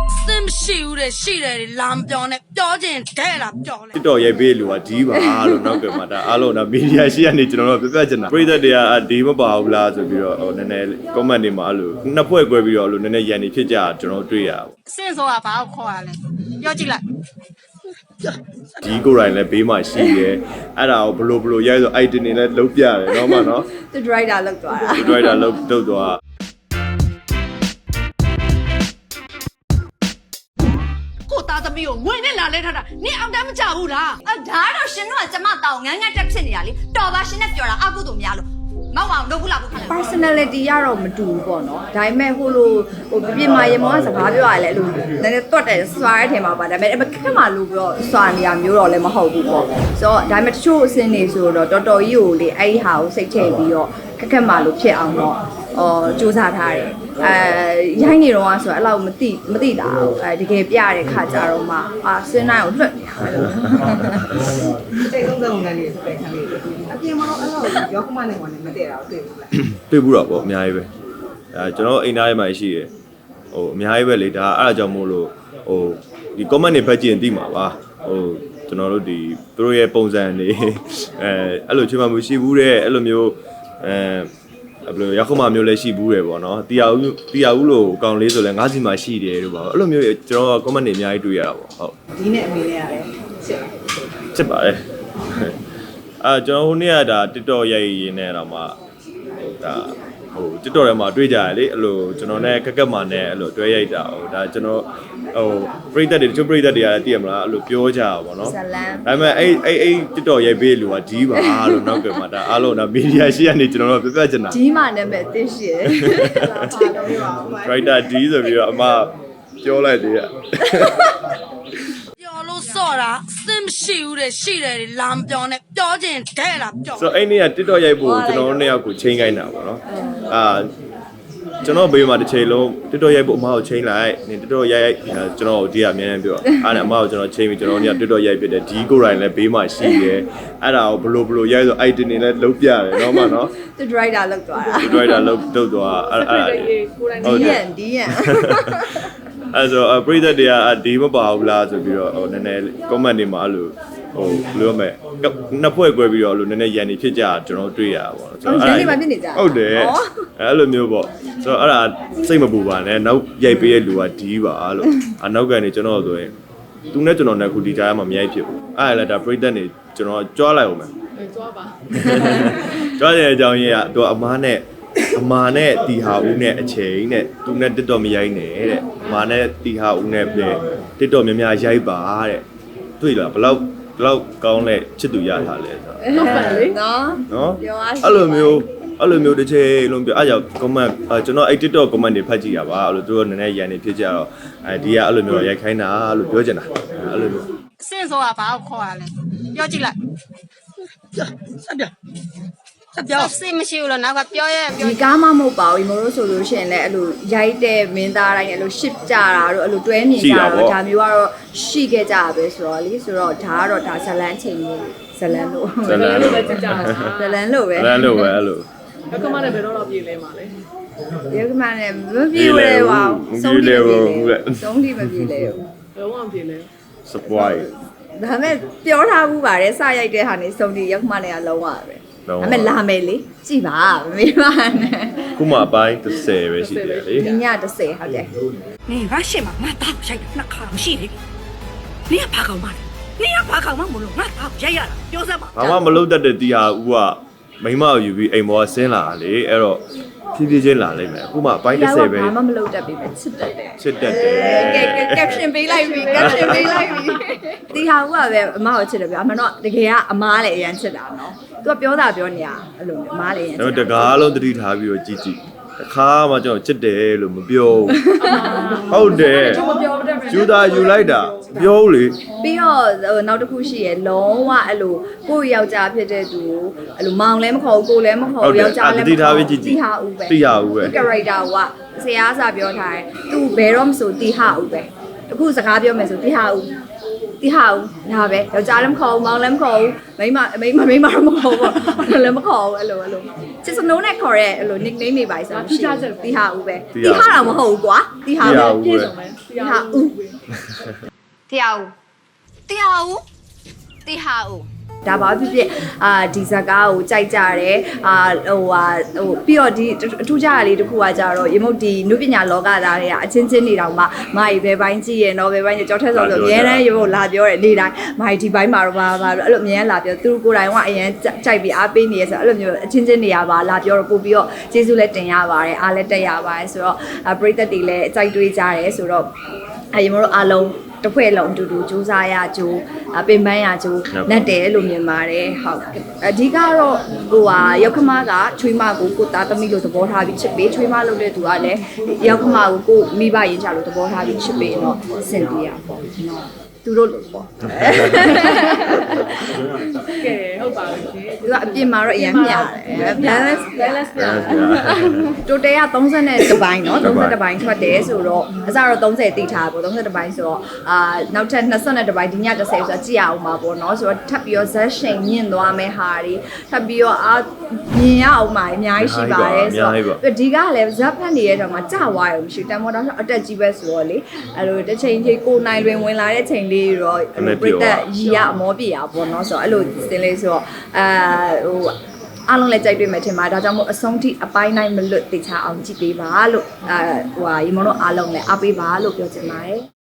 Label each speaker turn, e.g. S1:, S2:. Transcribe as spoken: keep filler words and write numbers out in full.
S1: Sim shoot it, she did lamp on it, dodging, dead up, darling.
S2: တစ်တော်ရိုက်ပေးလို့ကဒီပါလို့နောက်ကမှဒါအားလုံးတော့မီဒီယာရှိရနေကျွန်တော်တို့ပြပြချင်တာပရိသတ်တွေကဒီမပါဘူးလားဆိုပြီးတော့ဟိုနည်းနည်း comment တွေမှာအဲ့လိုနှစ်ဖွဲ့ကွဲပြီးတော့အဲ့လိုနည်းနည်းရန်နေဖြစ်ကြကျွန်တော်တို့တွေ့ရပါဘူး
S1: Since all about call it. You're like
S2: ဒီကိုယ်တိုင်လည်းဘေးမှာရှိရဲအဲ့ဒါကိုဘလို့ဘလို့ရိုက်ဆို item တွေလည်းလုံးပြတယ်တော့မှနော်
S3: သူ driver လောက်သွားတာ
S2: ဒီ driver လုံးတုတ်သွား
S1: ကိုသားသမီးကိုငွေနဲ့လာလဲထားတာနင်အောင်တမ်းမကြဘူးလား
S3: အဒါတော့ရှင်တို့ကကျမတောင်းငန်းငန်းတက်ဖြစ်နေတာလေတော်ပါရှင်နဲ့ပြောတာအကုသို့များလို့မောက်အောင်လုပ်ဘူးလားဘူးခါလဲ personality ကတော့မတူဘူးပေါ့နော်ဒါပေမဲ့ဟိုလိုဟိုပြပြမာရေမောကစကားပြောရလဲအဲ့လိုနည်းနည်းတွတ်တယ်စွာရဲထဲမှာပါဒါပေမဲ့ခက်မှလို့ပြောစွာနေရမျိုးတော့လည်းမဟုတ်ဘူးပေါ့ဆိုတော့ဒါပေမဲ့တချို့အစင်းနေဆိုတော့တော်တော်ကြီးကိုလေအဲ့ဒီဟာကိုစိတ်ချပြီးတော့ခက်ခက်မှလို့ဖြစ်အောင်တော့အော်စူးစမ်းထားတယ်အဲရိုင်းနေတော့ဆိုတော့အဲ့လောက်မသိမသိတာဘူးအဲတကယ်ပြရတဲ့ခါကြတော့မှအာစင်းနိုင်ကိုလွတ်နေရတယ်
S4: တိတ်ဆုံးဆုံးငန်းလေးပဲခံလေးအပြင်မှာတော့အဲ့လိုရောကမနဲ့ဝင်မတည့်တာတွေ့ဘူးလား
S2: တွေ့ဘူးတော့ပေါ့အများကြီးပဲအဲကျွန်တော်အိမ်သားထဲမှာရှိရဟိုအများကြီးပဲလေဒါအဲ့ဒါကြောင့်မို့လို့ဟိုဒီ comment တွေဖတ်ကြည့်ရင်သိမှာပါဟိုကျွန်တော်တို့ဒီသူတို့ရဲ့ပုံစံတွေအဲအဲ့လိုချွေးမှမရှိဘူးတဲ့အဲ့လိုမျိုးအဲဘယ်လိုရောက်ခမမျိုးလည်းရှိဘူးတယ်ပေါ့နော်တီယာဦးတီယာဦးလို့ကောင်းလေးဆိုလဲငါးစီမှာရှိတယ်တို့ပါအဲ့လိုမျိုးကျွန်တော် comment တွေအများကြီးတွေ့ရတာပေါ့ဟုတ်
S4: ဒီနဲ့အမေနဲ့ရတယ်ချစ်
S2: ချစ်ပါတယ်အာကျွန်တော်ဟိုနေ့ကဒါ TikTok ရိုက်ရင်းနဲ့တော့မှဒါဟို TikTok ထဲမှာတွေ့ကြရလေအဲ့လိုကျွန်တော်နဲ့ကက်ကက်မာနဲ့အဲ့လိုတွဲရိုက်တာဟိုဒါကျွန်တော်ဟိုပရိသတ်တွေတချို့ပရိသတ်တွေကလည်းသိရမလားအဲ့လိုပြောကြတာပေါ့နော်
S3: ဇလန်
S2: ဒါပေမဲ့အဲ့အဲ့အဲ့ TikTok ရိုက်ပေးလို့ကဒီပါလို့နောက်ကမှဒါအားလုံးဒါမီဒီယာရှိရနေကျွန်တော်တို့ပြပြချင်တာ
S3: ဒီမှနာမည်သိရှိတယ်
S2: writer D ဆိုပြီးတော့အမပြောလိုက်သေးရ
S1: ပြောလို့စော့တာ Sim shoot it, she did lamp on it, dodging, dead up,
S2: ဆို
S1: darling.
S2: အဲ့နေ့က TikTok ရိုက်ဖို့ကျွန်တော်တို့နှစ်ယောက်ကိုချိန်ခိုင်းတာပေါ့နော်အာကျွန်တော်ဘေးမှာတစ်ချိန်လုံး TikTok ရိုက်ဖို့အမကိုချိန်လိုက်နင် TikTok ရိုက်ရိုက်ကျွန်တော်ဒီကအများကြီးပြောအားနဲ့အမကိုကျွန်တော်ချိန်ပြီးကျွန်တော်တို့က TikTok ရိုက်ဖြစ်တယ်ဒီကိုယ်တိုင်လည်းဘေးမှာရှိရဲအဲ့ဒါကိုဘလို့ဘလို့ရိုက်ဆို item တွေလည်းလုံးပြတယ်တော့မှနော်
S3: သူ driver လောက်သွားတာ
S2: ဒီ driver လုံးတုတ်သွားအဲ့အဲ့
S3: ဒီရန်ဒီရန်
S2: အဲ့ဆိုပရိသတ်တွေကဒီမပါဘူးလားဆိုပြီးတော့ဟိုနည်းနည်း comment တွေမှာအဲ့လိုဟိုဘယ်လိုမဲ့နှစ်ဖွဲ့ကွဲပြီးတော့အဲ့လိုနည်းနည်းရန်နေဖြစ်ကြကျွန်တော်တွေ့ရတာပေါ့ကျွန်တော်ဟုတ်တယ်အဲ့လိုမျိုးပေါ့ဆိုတော့အဲ့ဒါစိတ်မပူပါနဲ့နောက်ရိုက်ပေးတဲ့လူကဒီပါလို့အနောက်ကနေကျွန်တော်ဆိုရင်သူနဲ့ကျွန်တော်နဲ့ခုဒီကြားမှာမရိုက်ဖြစ်ဘူးအဲ့ဒါလည်းဒါပရိသတ်တွေကျွန်တော်ကြွားလိုက်အောင်မယ်ကြွားပါကြွားတဲ့အကြောင်းရင်းကသူအမားနဲ့အမာနဲ့တီဟာဦးနဲ့အချိန်နဲ့သူနဲ့ TikTok မရိုက်နဲ့တဲ့အမာနဲ့တီဟာဦးနဲ့ပဲ TikTok များများရိုက်ပါတဲ့တွေ့လားဘလောက်ဘလောက်ကောင်းလဲချစ်သူရထားလဲဆိုတော့
S3: နော်နော်
S2: နော်အဲ့လိုမျိုးအဲ့လိုမျိုးတစ်ချိန်လုံးပြောအဲ့ကြောင့် comment ကျွန်တော်အဲ့ TikTok comment တွေဖတ်ကြည့်ရပါအဲ့လိုသူတို့နည်းနည်းရန်နေဖြစ်ကြတော့အဲဒီကအဲ့လိုမျိုးရိုက်ခိုင်းတာလို့ပြောချင်တာအဲ့လိုမျိုး
S1: Since all about call it. You're like ဆက်ပြဆက်ပြောစိတ်မရှိဘူးလို့နောက်ကပြောရဲပြော
S3: ဒီကားမမဟုတ်ပါဘူးမို့လို့ဆိုလို့ရှိရင်လည်းအဲ့လိုရိုက်တဲ့မင်းသားတိုင်းအဲ့လို ship ကြတာတို့အဲ့လိုတွဲမြင်ကြတာတို့ဒါမျိုးကတော့ရှိခဲ့ကြပဲဆိုတော့လေဆိုတော့ဒါကတော့ဒါဇလန်းချိန်ကြီးဇလန်းလို့
S2: ဇလန်းလို့ပဲကြ
S3: ကြဇလန်းလို့ပဲ
S2: ဇလန်းလို့ပဲအဲ့လို
S4: ရောကမနဲ့ဘယ်တော့တော့ပြေးလဲမှာလဲ
S3: ဒီကမှလည်းမပြေလဲပါဘူးဆုံးထိမပြေလဲဆုံးထိမပြေလဲ
S4: ဘယ်တော့ပြေးလဲ
S2: surprise
S3: ဒါပေမဲ့ပြောထားဘူးပါတယ်စရိုက်တဲ့ဟာနေဆုံးထိရောက်မှလည်းအလုံးဝပဲဒါပေမဲ့လာမယ်လေကြည်ပါမေးပါနဲ့
S2: ခုမှအပိုင်း30ပဲရှိတယ်လေ
S3: ဒီည30ဟုတ်တယ်
S1: နင်ရရှိမှာငါတောက်ရိုက်တာနှစ်ခါမရှိလေနင်ကဘာကောင်မလဲနင်ကဘာကောင်မမလို့ငါတောက်ရိုက်ရတာပြောစမ်းပါ
S2: ဘာမှမလုပ်တတ်တဲ့တီဟာဦးကမိမကိုယူပြီးအိမ်ပေါ်ဆင်းလာလေအဲ့တော့ဖြည်းဖြည်းချင်းလာလိမ့်မယ်အခုမှအပိုင်း30ပဲ
S3: ဘာမှမလုပ်တတ်ပြီပဲချစ်တတ်တယ်
S2: ချစ်တတ်တယ်
S3: ကဲကဲ caption ပေးလိုက်ပြီ caption ပေးလိုက်ပြီဒီဟာကပဲအမကိုချစ်တယ်ဗျာအမှန်တော့တကယ်ကအမားလည်းအရန်ချစ်တာနော်သူကပြောတာပြောနေရအဲ့လိုမျိုးအမားလည်းအရန်ချစ်
S2: တော့တကားလုံးတတိထားပြီးတော့ကြည့်ကြည့်တစ်ခါမှကျွန်တော်ချစ်တယ်လို့မပြောဟုတ်တယ်ယူတာယူလိုက်တာပြောလေ
S3: ပြီးတော့ဟိုနောက်တစ်ခုရှိရယ်လုံးဝအဲ့လိုကိုယ့်ယောက်ျားဖြစ်တဲ့သူကိုအဲ့လိုမောင်လည်းမခေါ်ဘူးကိုလည်းမခေါ်ဘူးယောက်ျားလည်းမခေါ်ဘူးတီဟာဦးပဲ
S2: တီဟာဦးပဲ
S3: character ကဆရာစာပြောထားတယ်သူဘယ်တော့မဆိုတီဟာဦးပဲအခုစကားပြောမယ်ဆိုတီဟာဦးတီဟာဦးဒါပဲယောက်ျားလည်းမခေါ်ဘူးမောင်လည်းမခေါ်ဘူးမိန်းမမိန်းမမိန်းမတော့မခေါ်ဘူးလည်းမခေါ်ဘူးအဲ့လိုအဲ့လိုချစ်စနိုးနဲ့ခေါ်ရဲအဲ့လို nickname တွေပါဆိုတော့တီဟာဦးပဲတီဟာတော့မဟုတ်ဘူးကွာတီဟာပဲ
S4: ပြေဆုံးမယ်
S3: ဟာဦးတရားဦးတရားဦးတရားဦးဒါပါဖြစ်ဖြစ်အာဒီဇကားကိုကြိုက်ကြတယ်အာဟိုဟာဟိုပြီးတော့ဒီအထူးခြားတာလေးတစ်ခုကကြတော့ရေမုတ်ဒီနုပညာလောကသားတွေကအချင်းချင်းနေတောင်မှမာကြီးဘယ်ပိုင်းကြည့်ရတော့ဘယ်ပိုင်းကြောက်ထက်ဆိုဆိုအများတန်းရေမုတ်လာပြောတယ်နေတိုင်းမာကြီးဒီပိုင်းမှာတော့ဘာဘာအဲ့လိုအများလာပြောသူတို့ကိုယ်တိုင်ကအရင်ကြိုက်ပြီးအားပေးနေရဆိုအဲ့လိုမျိုးအချင်းချင်းနေရပါလာပြောတော့ပို့ပြီးတော့ကျေးဇူးလည်းတင်ရပါတယ်အားလည်းတက်ရပါတယ်ဆိုတော့ပရိသတ်တွေလည်းအကြိုက်တွေးကြတယ်ဆိုတော့အဲရေမုတ်တို့အားလုံးတစ်ဖွဲ့လုံးအတူတူစူးစမ်းရကြိုးပင်ပန်းရကြိုးနဲ့တယ်လို့မြင်ပါတယ်ဟုတ်အဓိကတော့ဟိုဟာရောက်ခမကချွေးမကိုကိုသားသမီးလို့သဘောထားပြီးချစ်ပေးချွေးမလုပ်တဲ့သူကလည်းရောက်ခမကိုကိုမိဘရင်ချလို့သဘောထားပြီးချစ်ပေးတော့စင်ပြေရပေါ့နော်သူတို့လို့ပေါ့ကဲဟုတ်ပါဘူးရှင်သူကအပြင်မှာတော့အရင်မျှတယ် balance balance ပြတိုတယ်ကသုံးဆယ်နဲ့တစ်ပိုင်းเนาะသုံးဆယ်တစ်ပိုင်းထွက်တယ်ဆိုတော့အစတော့သုံးဆယ်တိထားပေါ့သုံးဆယ်တစ်ပိုင်းဆိုတော့အာနောက်ထပ်နှစ်ဆယ်နဲ့တစ်ပိုင်းဒီညတစ်ဆယ်ဆိုတော့ကြည့်ရအောင်ပါပေါ့เนาะဆိုတော့ထပ်ပြီးတော့ဇက်ရှိန်မြင့်သွားမယ်ဟာတွေထပ်ပြီးတော့အာမြင်ရအောင်ပါအများကြီးရှိပါတယ်ဆိုတော့ဒီကလည်းဇက်ဖက်နေတဲ့တော့မှကြာသွားရုံမရှိတန်မောတော့အတက်ကြီးပဲဆိုတော့လေအဲ့လိုတစ်ချိန်ကြီးကိုနိုင်တွင်ဝင်လာတဲ့ချိန်လေးတော့ပြတ်တက်ရီရအမောပြရပေါ့နော်ဆိုတော့အဲ့လိုသင်လေးဆိုတော့အာဟိုအားလုံးလည်းကြိုက်တွေ့မယ်ထင်ပါတယ်ဒါကြောင့်မို့အဆုံးထိအပိုင်းတိုင်းမလွတ်တေချာအောင်ကြည့်ပေးပါလို့အာဟိုဟာရေမုံတို့အားလုံးလည်းအားပေးပါလို့ပြောချင်ပါတယ်